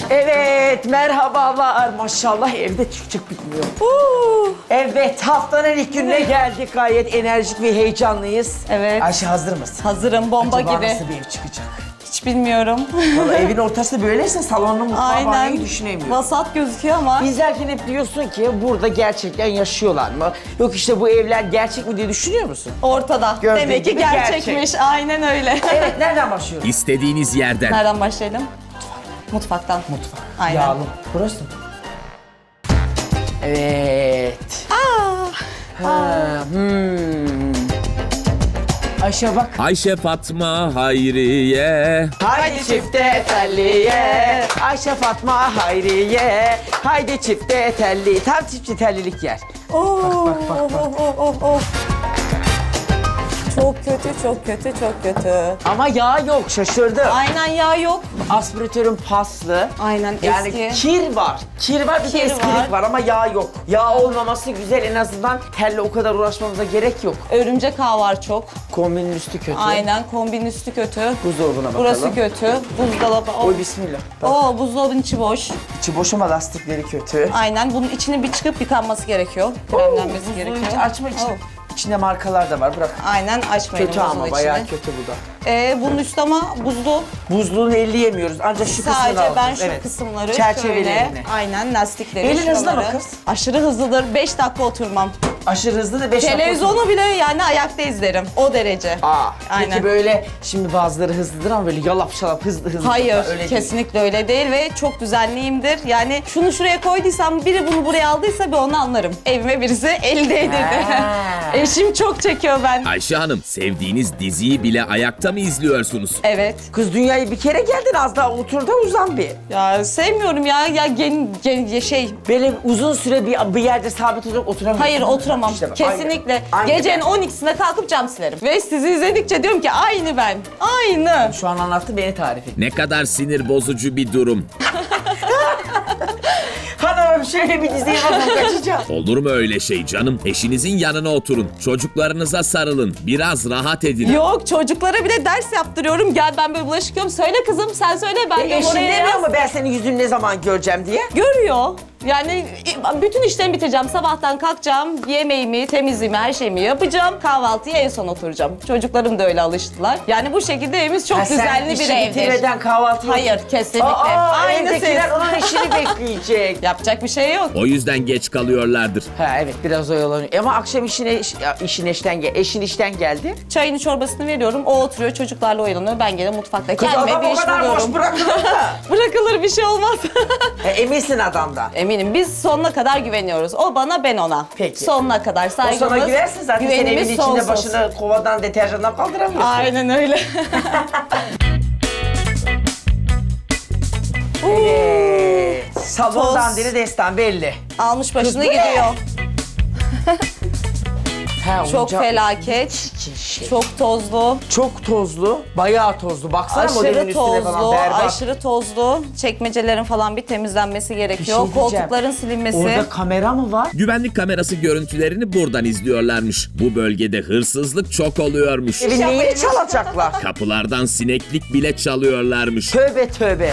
Evet, merhabalar. Maşallah evde çıkacak bilmiyor. Evet, haftanın ilk gününe geldik. Gayet enerjik ve heyecanlıyız. Evet. Ayşe hazır mısın? Hazırım, bomba Acaba gibi. nasıl bir ev çıkacak? Hiç bilmiyorum. Vallahi evin ortası böyleyse salonunu mutfağı banyoyu düşünemiyorum. Vasat gözüküyor ama. İzlerken hep diyorsun ki burada gerçekten yaşıyorlar mı? Yok işte bu evler gerçek mi diye düşünüyor musun? Ortada. Gördüğün Demek ki gibi gerçekmiş. gerçek. Aynen öyle. Evet, nereden başlıyoruz? İstediğiniz yerden. Nereden başlayalım? Mutfaktan. Mutfak. Aynen. Yağlı. Burası mı? Evet. Ayşe bak. Ayşe, Fatma, Hayriye. Haydi çifte telliye. Ayşe Fatma Hayriye. Haydi çifte telli. Tam çiftçi tellilik yer. Oh. Çok kötü, çok kötü, çok kötü. Ama yağ yok, şaşırdım. Aynen yağ yok. Aspiratörün paslı. Aynen Yani eski. kir var. Kir var, bir de Kir eskilik var. var ama yağ yok. Yağ olmaması güzel, en azından telle o kadar uğraşmamıza gerek yok. Örümcek ağı var çok. Kombinin üstü kötü. Aynen kombin üstü kötü. Buzdolabına bakalım. Burası kötü. Buzdolabı. Oy bismillah. Bak, Buzdolabının içi boş. içi boş ama lastikleri kötü. Aynen bunun içinin bir çıkıp yıkanması gerekiyor. Kremlenmesi Buzluğu gerekiyor. hiç açma için. Oh. İçinde markalar da var, bırak. Aynen açmayın Kötü buzluğun ama içini. bayağı kötü bu da. Bunun üstü ama buzlu. Buzluğunu elleyemiyoruz ancak şu kısmını Sadece alıyoruz. ben şu Evet. kısımları Çerçevelerini. şöyle. Aynen lastikleri. Elin hızlı şuraları. mı kız? Aşırı hızlıdır. 5 dakika oturmam. Aşırı hızlı da 5 dakika. Televizyonu bile yani ayakta izlerim. O derece. Peki Aynen. böyle şimdi bazıları hızlıdır ama böyle yalap şalap hızlı. Hayır, öyle değil. kesinlikle öyle değil ve çok düzenliyimdir. Yani şunu şuraya koyduysam, biri bunu buraya aldıysa bir onu anlarım. Evime birisi el değdirdi. Ha. Eşim çok çekiyor ben. Ayşe Hanım, sevdiğiniz diziyi bile ayakta mı izliyorsunuz? Evet. Kız dünyayı bir kere geldin, az daha otur da uzan bir. Ya sevmiyorum ya. Böyle uzun süre bir yerde sabit olarak oturamıyorsun. Hayır oturamam. İşte bak, Kesinlikle. aynı Gecenin ben. 12'sinde kalkıp cam silerim. Ve sizi izledikçe diyorum ki aynı ben. Aynı. Şu an anlattı, beni tarif et. Ne kadar sinir bozucu bir durum. Hanımım şöyle bir diziye bakın, kaçacağım. Olur mu öyle şey canım? Eşinizin yanına oturun. Çocuklarınıza sarılın. Biraz rahat edin. Yok çocuklara bile ders yaptırıyorum. Gel ben böyle bulaşık yıkıyorum. Söyle kızım sen söyle ben de Eşin oraya demiyor yaz. mu ben senin yüzünü ne zaman göreceğim diye? Görüyor. Yani bütün işlerimi bitireceğim. Sabahtan kalkacağım. Yemeğimi, temizliğimi, her şeyimi yapacağım. Kahvaltıya en son oturacağım. Çocuklarım da öyle alıştılar. Yani bu şekilde evimiz çok düzenli bir işi evdir. bitirmeden kahvaltı yok. Hayır kesinlikle. Aynı evdekiler siz. onun işini bekleyecek. Yapacak bir şey yok. O yüzden geç kalıyorlardır. Ha evet, biraz oyalanıyor. Ama akşam eşin işten geldi. Çayını çorbasını veriyorum. O oturuyor çocuklarla oyalanıyor. Ben gene mutfakta Kız kendime adam bir o iş kadar boş buluyorum. bırakılır da. Bırakılır bir şey olmaz. Eminsin adamdan. Eminim biz sonuna kadar güveniyoruz. O bana ben ona. Peki. Sonuna kadar O saygımız. sana güversin zaten, sen evin güvenimiz içinde sonsuz. başını kovadan, deterjandan kaldıramıyorsun. Aynen öyle. Evet. Salondan Toz. deri destan belli. Almış Kız başını bu ne? gidiyor. Ha, Çok oyuncak- felaket. Çirkin şey. Çok tozlu. Çok tozlu, bayağı tozlu. Baksana modelin Aşırı üstüne falan, tozlu, berbat. aşırı tozlu. Çekmecelerin falan bir temizlenmesi gerekiyor. şey diyeceğim. Koltukların silinmesi. Orada kamera mı var? Güvenlik kamerası görüntülerini buradan izliyorlarmış. Bu bölgede hırsızlık çok oluyormuş. Evin neyini çalacaklar? Kapılardan sineklik bile çalıyorlarmış. Tövbe tövbe.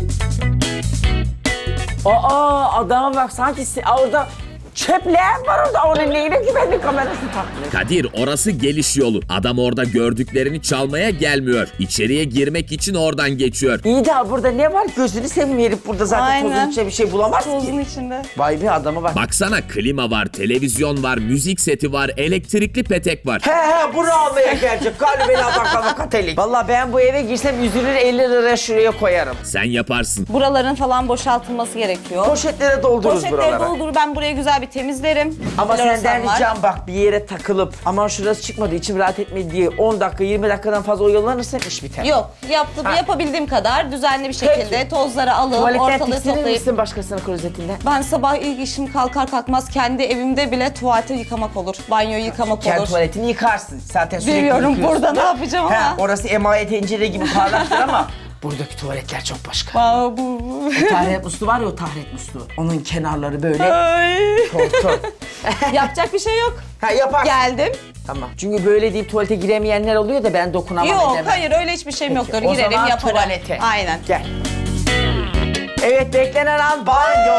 Adama bak, sanki orada çöpler var orada. Onun neyine güvenlik kamerası takmış? Kadir, orası geliş yolu. Adam orada gördüklerini çalmaya gelmiyor. İçeriye girmek için oradan geçiyor. İyi de burada ne var? Gözünü seveyim, herif burada zaten Aynen. tozun içinde bir şey bulamaz Tozun ki. içinde. Vay be, adama bak. Baksana, klima var, televizyon var, müzik seti var, elektrikli petek var. He bunu almaya gelecek. Galiba beni adamlarla katelik. Vallahi ben bu eve girsem üzülür, 50 lira şuraya koyarım. Sen yaparsın. Buraların falan boşaltılması gerekiyor. Poşetlere doldururuz Poşetleri buralara. doldur, ben burayı güzel bir temizlerim. Ama Floresan senden var. ricam bak, bir yere takılıp aman şurası çıkmadı, içim rahat etmedi diye 10 dakika 20 dakikadan fazla oyalanırsan iş biter. Yok, Ha. yapabildiğim kadar düzenli bir şekilde Peki. tozları alıp Tuvaletten ortalığı tiksinir toplayıp. misin başkasının klozetinden? Ben sabah ilk işim kalkar kalkmaz kendi evimde bile tuvaleti yıkamak olur. Banyoyu yıkamak Kendi olur. tuvaletini yıkarsın. Zaten sürekli Bilmiyorum yıkıyorsun. burada ne yapacağım He, ama. orası emaye tencere gibi parlaktır ama buradaki tuvaletler çok başka. Aa, bu. O taharet musluğu var ya, o taharet musluğu. Onun kenarları böyle Ay. tortur. Yapacak bir şey yok. Ha yaparsın. Geldim. Tamam. Çünkü böyle deyip tuvalete giremeyenler oluyor da ben dokunamam Yok edemem. hayır öyle hiçbir şeyim Peki, yoktur. o Girerim zaman yaparım. tuvalete. Aynen. Gel. Evet, beklenen an banyo.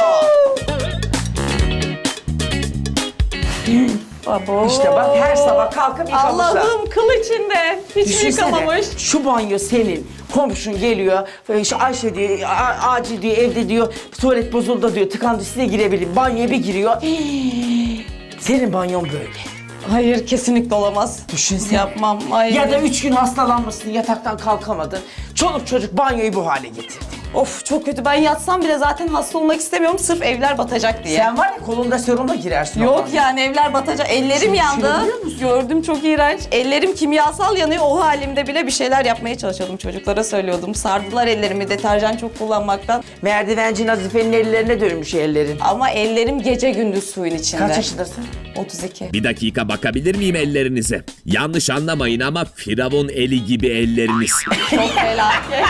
Abo. İşte bak, her sabah kalkıp yıkamışlar. Allah'ım, kıl içinde. Hiç mi Düşünsene, yıkamamış? şu banyo senin. Komşun geliyor, işte Ayşe diyor, acil diyor, evde diyor, tuvalet bozuldu diyor, tıkandı, size girebilirim. Banyoya bir giriyor. Senin banyon böyle. Hayır, kesinlikle olamaz. Düşünsene. Yapmam. Hayır. Ya da 3 gün hastalanmışsın, yataktan kalkamadın. Çoluk çocuk banyoyu bu hale getirdi. Of, çok kötü. Ben yatsam bile zaten hasta olmak istemiyorum. Sırf evler batacak diye. Sen var ya, kolunda serumla girersin. o Yok banyoya. yani, evler batacak. Ellerim Şimdi yandı. düşünebiliyor musun? Gördüm, çok iğrenç. Ellerim kimyasal yanıyor. O halimde bile bir şeyler yapmaya çalışıyordum. Çocuklara söylüyordum. Sardılar ellerimi deterjan çok kullanmaktan. Merdivenci Nazife'nin ellerine dönmüş ellerin. Ama ellerim gece gündüz suyun içinde. Kaç yaşındasın? 32. Bir dakika bakabilir miyim ellerinize? Yanlış anlamayın ama firavun eli gibi elleriniz. Çok felaket.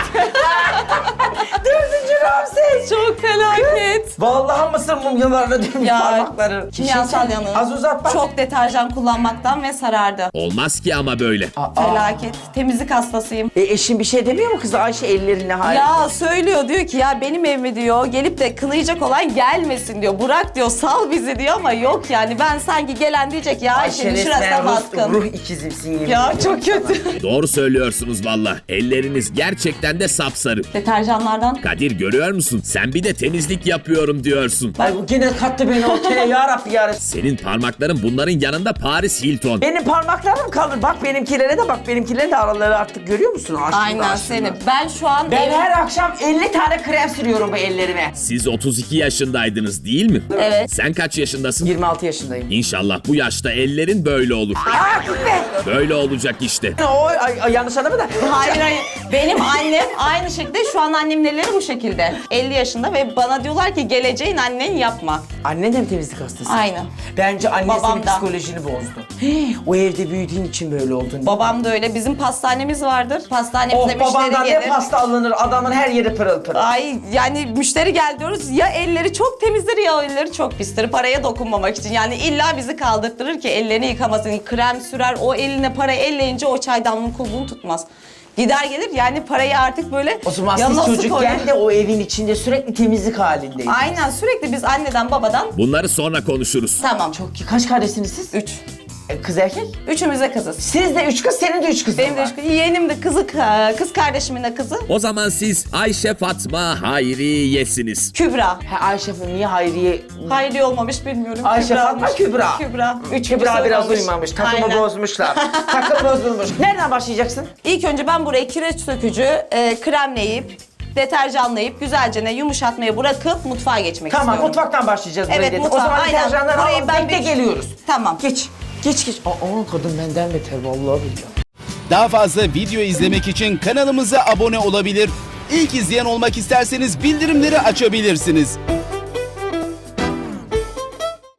Dördüncü Ramses. Çok felaket. Vallahi mısır mumyalarına dönmüş Ya, parmakları. kimyasal yanı. Az uzat bak. Çok deterjan kullanmaktan ve sarardı. Olmaz ki ama böyle. Felaket. Temizlik hastasıyım. Eşin bir şey demiyor mu kız Ayşe ellerine? Hayır. Ya söylüyor, diyor ki ya benim evime diyor gelip de kınayacak olan gelmesin diyor. Burak diyor, sal bizi diyor, ama yok yani, ben sanki gelen diyecek ya Ayşe'nin şurasına baskın. ruh ikizimsin yemin Ya ediyorum çok sana. kötü. Doğru söylüyorsunuz valla. Elleriniz gerçekten de sapsarı. Deterjanlardan. Kadir görüyor musun? Sen bir de temizlik yapıyorum diyorsun. Ay bu gene kattı beni ortaya ya Rabbi ya Rabbi. Senin parmakların bunların yanında Paris Hilton. Benim parmaklarım kalır. Bak benimkilere de bak. Benimkilerin de araları artık görüyor musun? Aşkım, Aynen aşkım. seni. Ben şu an Ben her akşam 50 tane krem sürüyorum bu ellerime. Siz 32 yaşındaydınız değil mi? Evet. Sen kaç yaşındasın? 26 yaşındayım. İnşallah bu yaşta ellerin böyle olur. Aa gitme. Böyle olacak işte. Ay, yanlış anlama da. Hayır hayır. Benim annem aynı şekilde, şu an annemin elleri bu şekilde. 50 yaşında ve bana diyorlar ki geleceğin annen yapma. Annen de mi temizlik hastası? Aynen. Bence annen Babam senin da. psikolojini bozdu. O evde büyüdüğün için böyle oldun. Babam da öyle. Bizim pastanemiz vardır. Pastanemize Oh, babandan müşteri ne gelir. pasta alınır, adamın her yeri pırıl pırıl. Ay yani müşteri gel diyoruz, ya elleri çok temizdir ya elleri çok pistir, paraya dokunmamak için. Yani illa bizi kaldırtırır ki ellerini yıkamasın. Krem sürer, o eline para elleyince o çaydanlığın kulbuğunu tutmaz. Gider gelir yani, parayı artık böyle O zaman yanına siz su çocukken koyar. de o evin içinde sürekli temizlik halindeydiniz. Aynen, sürekli biz anneden babadan. Bunları sonra konuşuruz. Tamam. Çok iyi. Kaç kardeşsiniz siz? 3. Kız erkek? Üçümüz de kızız. Siz de 3 kız, senin de 3 kızın Benim de var. üç kız. Yeğenim de kızı, kız kardeşimin de kızı. O zaman siz Ayşe Fatma Hayriye'siniz. Kübra. Ha, Ayşe niye Hayriye? Hayri olmamış bilmiyorum. Ayşe Kübra'mış. Fatma Kübra. Kübra. Kübra biraz uyumamış. Takımı Aynen. bozmuşlar. Takım bozulmuş. Nereden başlayacaksın? İlk önce ben buraya kireç sökücü kremleyip, deterjanlayıp, güzelce yumuşatmaya bırakıp mutfağa geçmek Tamam, istiyorum. mutfaktan başlayacağız buraya Evet, dedi. O mutfağa, zaman aynen. deterjanları Burayı alalım, ben bekle bir- geliyoruz. Tamam. Geç. Geç. Aa, kadın benden beter vallahi billahi. Daha fazla video izlemek için kanalımıza abone olabilir. İlk izleyen olmak isterseniz bildirimleri açabilirsiniz.